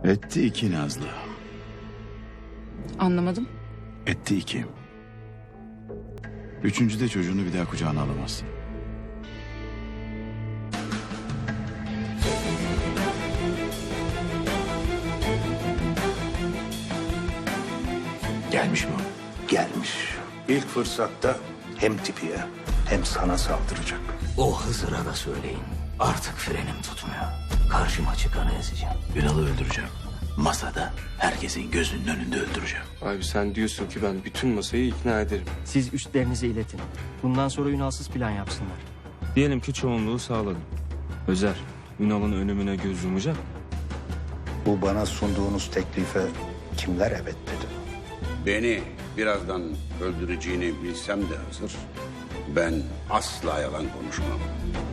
Etti iki Nazlı. Anlamadım. Etti iki. Üçüncüde çocuğunu bir daha kucağına alamazsın. Gelmiş mi o? Gelmiş. İlk fırsatta hem tipiye hem sana saldıracak. O Hızır'a da söyleyin. Artık frenim tutmuyor. Karşıma çıkanı ezeceğim. Ünal'ı öldüreceğim. Masada herkesin gözünün önünde öldüreceğim. Abi sen diyorsun ki ben bütün masayı ikna ederim. Siz üstlerinize iletin. Bundan sonra Ünalsız plan yapsınlar. Diyelim ki çoğunluğu sağladım. Özer, Ünal'ın ölümüne göz yumacak. Bu bana sunduğunuz teklife kimler evet dedi? Beni birazdan öldüreceğini bilsem de Hızır, ben asla yalan konuşmam.